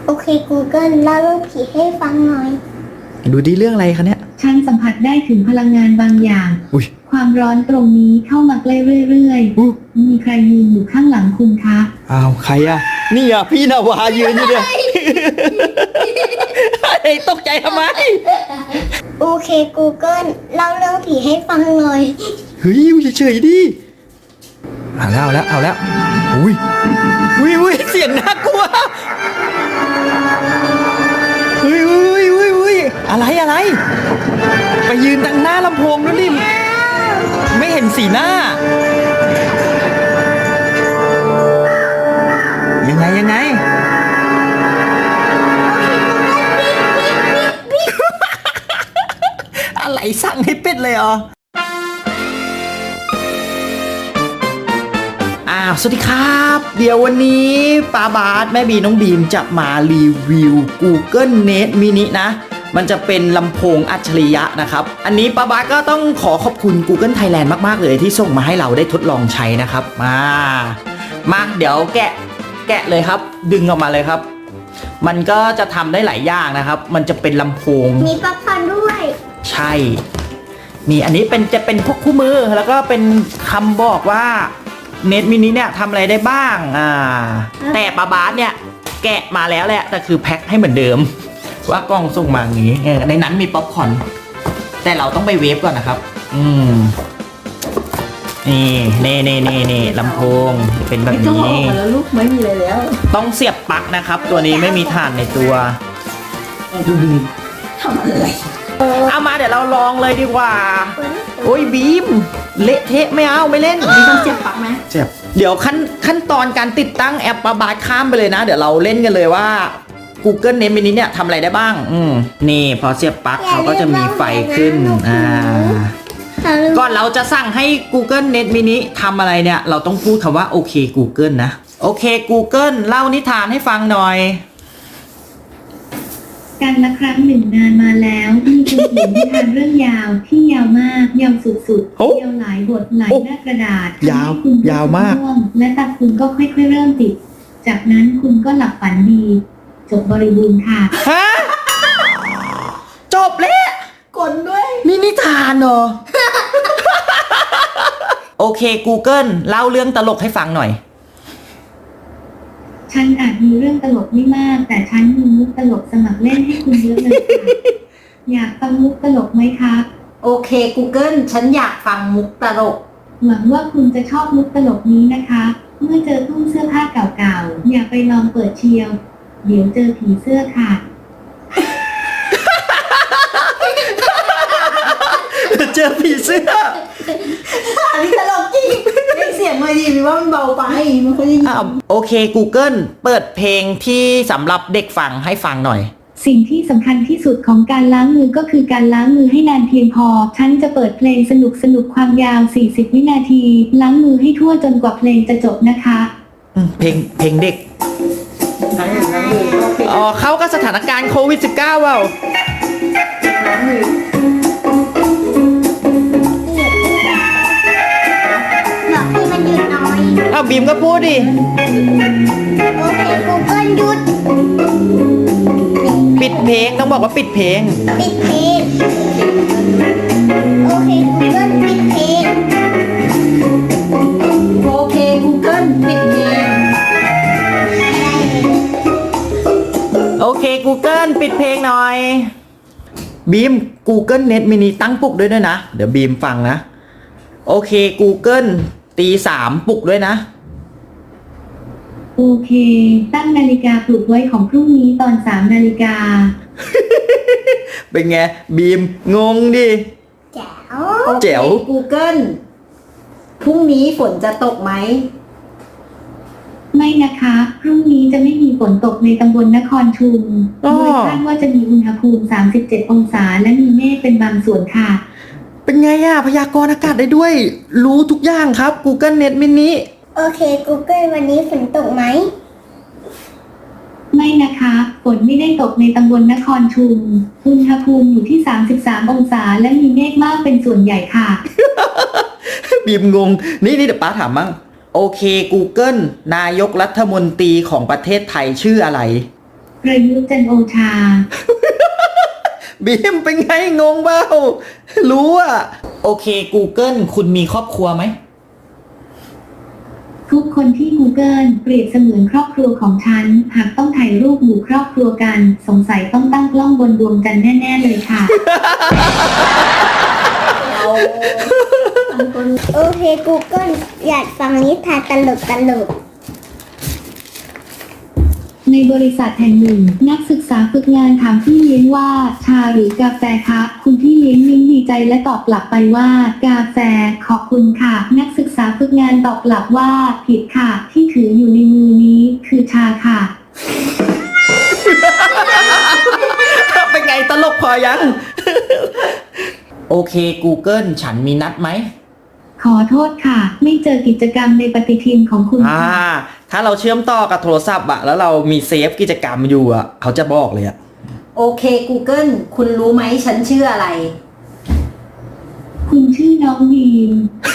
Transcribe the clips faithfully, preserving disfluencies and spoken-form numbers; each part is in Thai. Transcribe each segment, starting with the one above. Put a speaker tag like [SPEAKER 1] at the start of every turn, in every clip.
[SPEAKER 1] โอเค Google เล่าเรื่องผีให้ฟังหน่อย
[SPEAKER 2] ดูดีเรื่องอะไรคะเนี่ย
[SPEAKER 3] ฉันสัมผัสได้ถึงพลังงานบางอย่าง
[SPEAKER 2] อุ้ย
[SPEAKER 3] ความร้อนตรงนี้เข้ามาใกล้เรื่อยๆมีใครยืนอยู่ข้างหลังคุณคะ
[SPEAKER 2] อ้าวใครอะนี่อะพี่นาวายืนอยู่เนี่ยไอ้ตกใจทำไม
[SPEAKER 1] โอเค Google เล่าเรื่องผีให้ฟังหน่อย
[SPEAKER 2] เฮ้ยเฉยๆดิเอาแล้วเอาแล้วเอาแล้วอุ้ยอุ้ยอุ้ยเสียงน่ากลัวอุ้ยอุ้ยอุ้ยอุ้ยอะไรอะไรไปยืนตั้งหน้าลำโพงด้วยดิไม่เห็นสีหน้ายังไงยังไงอะไรสั่งให้เป็ดเลยเหรออ้าวสวัสดีครับเดี๋ยววันนี้ป้าบาสแม่บีน้องบีมจะมารีวิว Google Nest Mini นะมันจะเป็นลำโพงอัจฉริยะนะครับอันนี้ป้าบาสก็ต้องขอขอบคุณ Google Thailand มากๆเลยที่ส่งมาให้เราได้ทดลองใช้นะครับมามาเดี๋ยวแกะแกะเลยครับดึงออกมาเลยครับมันก็จะทำได้หลายอย่างนะครับมันจะเป็นลำโพง
[SPEAKER 1] มีป๊อปคอร์นด้วย
[SPEAKER 2] ใช่นี่อันนี้เป็นจะเป็นพวกคู่มือแล้วก็เป็นคำบอกว่าเน็ตมินิเนี่ยทำอะไรได้บ้างอ่าแต่ป้าบาสเนี่ยแกะมาแล้วแหละแต่คือแพ็คให้เหมือนเดิมว่ากล้องส่งมาอย่างนี้ในนั้นมีป๊อปคอร์นแต่เราต้องไปเวฟก่อนนะครับอืมนี่เน่เน่เน่เน่ลำโพงเป็นแบบนี้
[SPEAKER 4] ไม่ต้องออกมาแล้วลูกไม่มีอะไรแล้ว
[SPEAKER 2] ต้องเสียบปลั๊กนะครับตัวนี้ไม่มีถ่านในตัวดูดี
[SPEAKER 4] ทำอะไร
[SPEAKER 2] เอามาเดี๋ยวเราลองเลยดีกว่าโอ้ยบีมเละเทะไม่เอาไม่เล่น
[SPEAKER 4] มีต้องเสียบปลั๊กไหม
[SPEAKER 2] เสียบเดี๋ยวขั้นขั้นตอนการติดตั้งแอปป้าบาสข้ามไปเลยนะเดี๋ยวเราเล่นกันเลยว่า Google Nest Mini เนี่ยทำอะไรได้บ้างอืมนี่พอเสียบปลั๊กเขาก็จะมีไฟขึ้นอ่าก่อนเราจะสั่งให้ Google Nest Mini ทำอะไรเนี่ยเราต้องพูดคำว่าโอเค Google นะโอเค Google เล่านิทานให้ฟังหน่อย
[SPEAKER 3] การละครั้งหนึ่งนานมาแล้วมีคนเขียนนิทานเรื่องยาวที่ยาวมากยาวสุดๆยาวหลายบทหลายหน้ากระดาษ
[SPEAKER 2] ยาวยาวมาก
[SPEAKER 3] และตาคุณก็ค่อยๆเริ่มติดจากนั้นคุณก็หลับฝันดีจบบริบูรณ์ค่ะ
[SPEAKER 2] ฮะจบแล้ว
[SPEAKER 4] กดด้วย
[SPEAKER 2] นี่นิทานเหรอ โอเค Google เล่าเรื่องตลกให้ฟังหน่อย
[SPEAKER 3] ฉันอาจมีเรื่องตลกไม่มากแต่ฉันมีมุกตลกสมัครเล่นให้คุณเยอะเลยค่ะอยากฟังมุกตลกไหมคะ
[SPEAKER 4] โอเค Google ฉันอยากฟังมุกตลก
[SPEAKER 3] หวังว่าคุณจะชอบมุกตลกนี้นะคะเมื่อเจอตู้เสื้อผ้าเก่าๆอย่าไปลองเปิดเชียวเดี๋ยวเจอผีเสื้อค่ะ
[SPEAKER 2] เจอผีเสื้อ
[SPEAKER 4] อันนี้ตลกจริงเล่นเสียงมาดีหรือว่ามันเบาไปมันค่อยได้ยิน
[SPEAKER 2] โอเค Google เปิดเพลงที่สำหรับเด็กฟังให้ฟังหน่อย
[SPEAKER 3] สิ่งที่สำคัญที่สุดของการล้างมือก็คือการล้างมือให้นานเพียงพอฉันจะเปิดเพลงสนุกสนุกความยาวสี่สิบวินาทีล้างมือให้ทั่วจนกว่าเพลงจะจบนะคะ
[SPEAKER 2] เพลงเพลงเด็กอ๋อเข้ากับสถานการณ์โควิด สิบเก้า เปล่า
[SPEAKER 1] บอกให้มันหยุดหน่อย
[SPEAKER 2] อ้าวบีมก็พูดดิ
[SPEAKER 1] โอเค Google หยุด
[SPEAKER 2] ปิดเพลงต้องบอกว่าปิดเพลง
[SPEAKER 1] ปิดเพลงโอเค Google ปิดเพลง
[SPEAKER 4] โอเค Google ปิดเพลง
[SPEAKER 2] โอเค Google ปิดเพลงหน่อยบีม Google Nest Mini ตั้งปลุกด้วยด้วยนะเดี๋ยวบีมฟังนะโอเค Google ตีสามปลุกด้วยนะ
[SPEAKER 3] โอเคตั้งนาฬิกาปลุกไว้ของพรุ่งนี้ตอนสามนาฬิกา
[SPEAKER 2] เป็นไงบีมงงดิ
[SPEAKER 1] แจ๋ว
[SPEAKER 2] แจ๋ว
[SPEAKER 4] Google พรุ่งนี้ฝนจะตกไหม
[SPEAKER 3] ไม่นะคะพรุ่งนี้จะไม่มีฝนตกในตำบลนครชุมโดยคาดว่าจะมีอุณหภูมิสามสิบเจ็ดองศาและมีเมฆเป็นบางส่วนค่ะ
[SPEAKER 2] เป็นไงอะพยากรณ์อากาศได้ด้วยรู้ทุกอย่างครับ Google Nest Mini
[SPEAKER 1] โอเค Google วันนี้ฝนตกไหม
[SPEAKER 3] ไม่นะคะฝนไม่ได้ตกในตำบลนครชุมอุณหภูมิอยู่ที่สามสิบสามองศาและมีเมฆมากเป็นส่วนใหญ่ค่ะ
[SPEAKER 2] บีมงงนี่นี่เดี๋ยวป้าถามมั่งโอเค Google นายกรัฐมนตรีของประเทศไทยชื่ออะไร
[SPEAKER 3] ประยุทธ์จันทร์โอชา
[SPEAKER 2] บีมเป็นไงงงเปล่ารู้อะโอเค Google คุณมีครอบครัวไหม
[SPEAKER 3] ทุกคนที่ Google เปรียบเสมือนครอบครัวของฉัน หากต้องถ่ายรูปหมู่ครอบครัวกัน สงสัยต้องตั้งกล้องบนดวงจันทร์แน่ๆเลยค่ะ
[SPEAKER 1] โอเค Google อยากฟังนิทานตลกตลก
[SPEAKER 3] ในบริษัทแห่งหนึ่ง นักศึกษาฝึกงานถามพี่เลี้ยงว่า ชาหรือกาแฟคะคุณพี่เลี้ยงยิ้มดีใจและตอบกลับไปว่า กาแฟขอบคุณค่ะ นักศึกษาฝึกงานตอบกลับว่าผิดค่ะ ที่ถืออยู่ในมือนี้คือชาค่ะ
[SPEAKER 2] เป็นไงตลกพอยัง โอเค Google ฉันมีนัดไหม
[SPEAKER 3] ขอโทษค่ะ ไม่เจอกิจกรรมในปฏิทินของคุณ
[SPEAKER 2] อ่า
[SPEAKER 3] ค่ะ
[SPEAKER 2] ถ้าเราเชื่อมต่อกับโทรศัพท์อะแล้วเรามีเซฟกิจกรรมอยู่อะเขาจะบอกเลยอะ
[SPEAKER 4] โอเค Google คุณรู้ไหมฉันชื่ออะไร
[SPEAKER 3] คุณชื่อน้องบีม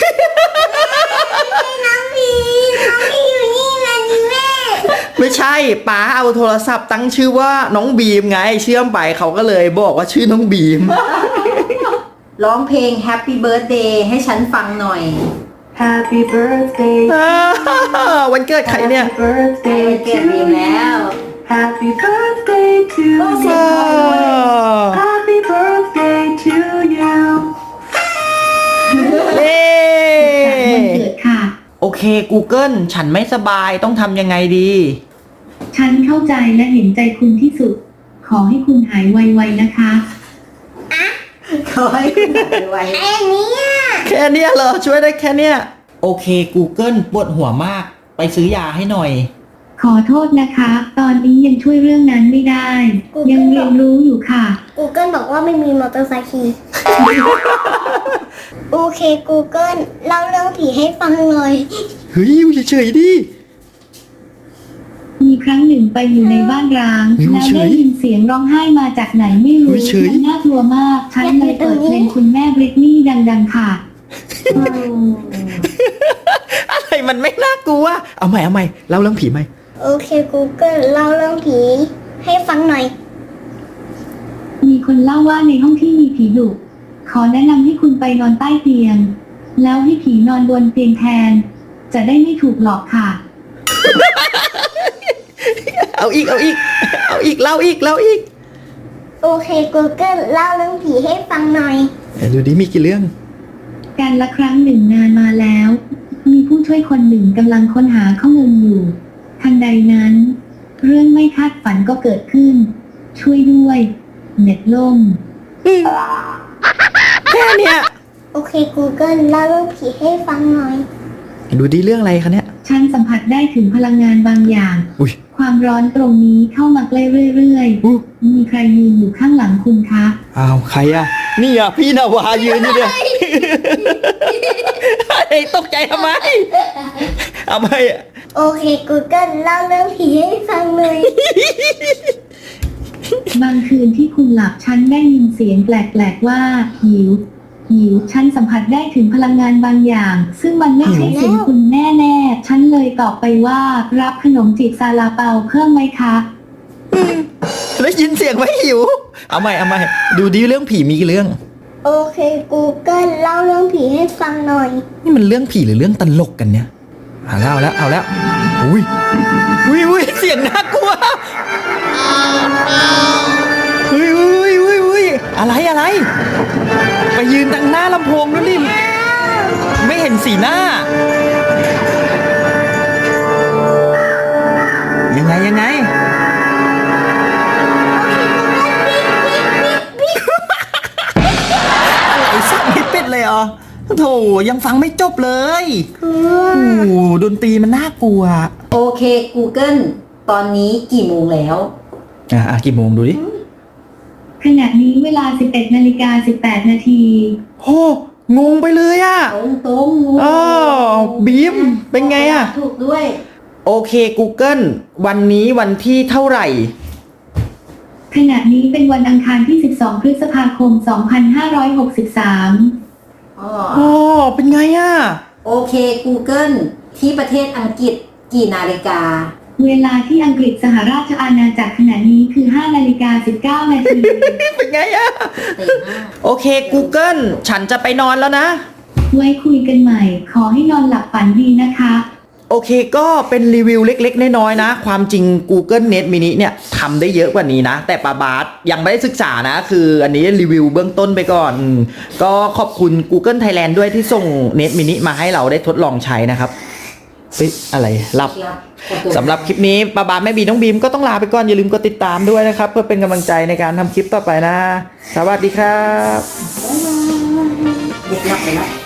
[SPEAKER 1] ๆน้องพีน้องพีอยู่นี่ไงนี่แม่
[SPEAKER 2] ไม่ใช่ป๋าเอาโทรศัพท์ตั้งชื่อว่าน้องบีมไง เชื่อมไปเขาก็เลยบอกว่าชื่อน้องบีม
[SPEAKER 4] ร้องเพลง Happy Birthday ให้ฉันฟังหน่อย
[SPEAKER 3] Happy birthday
[SPEAKER 2] วันเกิดใครเนี่ย
[SPEAKER 3] Happy birthday
[SPEAKER 4] วันเกิดบีมแล้ว
[SPEAKER 3] Happy birthday to
[SPEAKER 4] เสียงพอเลย
[SPEAKER 3] Happy birthday to you
[SPEAKER 2] เย้
[SPEAKER 3] วันเกิดค่ะ
[SPEAKER 2] โอเค Google ฉันไม่สบายต้องทำยังไงดี
[SPEAKER 3] ฉันเข้าใจและเห็นใจคุณที่สุด ขอให้คุณหายไวๆนะคะ
[SPEAKER 4] ขอให้คุณหายไว
[SPEAKER 1] แค่เนี้ย
[SPEAKER 2] แค่เนี้ยเหรอช่วยได้แค่เนี้ยโอเค Google ปวดหัวมากไปซื้อยาให้หน่อย
[SPEAKER 3] ขอโทษนะคะ ตอนนี้ยังช่วยเรื่องนั้นไม่ได้ ยังเรียนรู้อยู่ค่ะ
[SPEAKER 1] Google บอกว่าไม่มีมอเตอร์ไซค์ขี่ โอเค Google เล่าเรื่องผีให้ฟังหน่อย
[SPEAKER 2] เฮ้ยอยู่เฉยๆดิ
[SPEAKER 3] มีครั้งหนึ่งไปอยู่ในบ้านร้าง
[SPEAKER 2] อยู่
[SPEAKER 3] แล้ว
[SPEAKER 2] เฉย
[SPEAKER 3] ได้ยินเสียงร้องไห้มาจากไหนไม่
[SPEAKER 2] อยู่
[SPEAKER 3] รู้
[SPEAKER 2] เฉย
[SPEAKER 3] มันน่ากลัวมาก ฉันเลยเปิดเพลงคุณแม่บริตนี่ดังๆค่ะ
[SPEAKER 2] อะไรมันไม่น่ากลัวเอาใหม่เอาใหม่เล่าเรื่องผีใหม่
[SPEAKER 1] โอเค Google เล่าเรื่องผีให้ฟังหน่อย
[SPEAKER 3] มีคนเล่าว่าในห้องที่มีผีดุขอแนะนำให้คุณไปนอนใต้เตียง แล้วให้ผีนอนบนเตียงแทน จะได้ไม่ถูกหลอกค่ะ
[SPEAKER 2] เอาอีกเอาอีกเอาอีกเล่าอีกเล่าอีก
[SPEAKER 1] โอเค Google เล่าเรื่องผีให้ฟังหน่อย
[SPEAKER 2] เดี๋ยวดูดิมีกี่เรื่อง
[SPEAKER 3] การละครั้งหนึ่งนานมาแล้ว มีผู้ช่วยคนหนึ่งกำลังค้นหาข้อมูลอยู่ ทันใดนั้น เรื่องไม่คาดฝันก็เกิดขึ้น ช่วยด้วย เน็ตล่ม
[SPEAKER 2] แค่เนี้ย
[SPEAKER 1] โอเค Google เล่าเรื่องผีให้ฟังหน่อย
[SPEAKER 2] ดูดิเรื่องอะไรคะเนี่ย
[SPEAKER 3] ฉันสัมผัสได้ถึงพลังงานบางอย่าง
[SPEAKER 2] อุ้ย
[SPEAKER 3] ความร้อนตรงนี้เข้ามาใกล้เรื่อย
[SPEAKER 2] อู้
[SPEAKER 3] ๆ มีใครยืนอยู่ข้างหลังคุณคะ
[SPEAKER 2] อ้าวใครอะนี่อะพี่นาวายืนอยู่เนี่ยไอ้ตกใจทำไมเอาไปอะ
[SPEAKER 1] โอเค Google เล่าเรื่องผีให้ฟังหน่อย
[SPEAKER 3] บางคืนที่คุณหลับฉันได้ยินเสียงแปลกๆว่าหิว หิว ฉันสัมผัสได้ถึงพลังงานบางอย่าง ซึ่งมันไม่ใช่เสียงคุณแน่ๆ ฉันเลยตอบไปว่ารับขนมจีบซาลาเปาเพิ่มไหมคะ
[SPEAKER 2] ได้ยินเสียงไหมหิว เอาใหม่เอาใหม่ดูดิเรื่องผีมีกี่เรื่อง
[SPEAKER 1] โอเค Google เล่าเรื่องผีให้ฟังหน่อย
[SPEAKER 2] นี่มันเรื่องผีหรือเรื่องตลกกันเนี่ยเอาแล้วเอาแล้วเอาแล้วอุ้ยอุ้ยอุ้ยเสียงน่ากลัวอุ้ยอุ้ยอุ้ยอุ้ยอะไรอะไร ไปยืนตั้งหน้าลำโพงนั่นดิไม่เห็นสีหน้า ยังไงยังไง อะไรสักไม่เป็ดเลยเหรอโถยังฟังไม่จบเลยโอ้โหดนตรีมันน่ากลัว
[SPEAKER 4] โอเค Google ตอนนี้กี่โมงแล้ว
[SPEAKER 2] อ่ะอ่ะกี่โมงดูดิ
[SPEAKER 3] ขณะนี้เวลา สิบเอ็ดนาฬิกาสิบแปดนาที
[SPEAKER 2] โอ้งงไปเลยอะ
[SPEAKER 4] ตรงตรง
[SPEAKER 2] อ๋อบีมเป็นไงอะ
[SPEAKER 4] ถูกด้วย
[SPEAKER 2] โอเค Google วันนี้วันที่เท่าไหร่
[SPEAKER 3] ขณะนี้เป็นวันอังคารที่ สิบสอง พฤษภาคม สองพันห้าร้อยหกสิบสาม
[SPEAKER 4] อ๋อ
[SPEAKER 2] อ๋อเป็นไงอะ
[SPEAKER 4] โอเค Google ที่ประเทศอังกฤษกี่นาฬิกา
[SPEAKER 3] เวลาที่อังกฤษสหราชอาณาจักรขณะนี้คือห้านาฬิกาสิบเก้านาที
[SPEAKER 2] เป็นไงอะโอเค Google ฉันจะไปนอนแล้วนะ
[SPEAKER 3] ไว้คุยกันใหม่ ขอให้นอนหลับฝันดีนะคะ
[SPEAKER 2] โอเคก็เป็นรีวิวเล็กๆน้อยๆนะ ความจริง Google Nest Mini เนี่ยทำได้เยอะกว่านี้นะ แต่ปาบาสยังไม่ได้ศึกษานะ คืออันนี้รีวิวเบื้องต้นไปก่อนอืมก็ขอบคุณ Google Thailand ด้วยที่ส่ง Nest Mini มาให้เราได้ทดลองใช้นะครับเฮ้ยอะไรหลับสำหรับคลิปนี้ปาบาสแม่บีน้องบีมก็ต้องลาไปก่อน อย่าลืมกดติดตามด้วยนะครับ เพื่อเป็นกำลังใจในการทำคลิปต่อไปนะ สวัสดีครับ
[SPEAKER 4] เด็กหลับไปแล้ว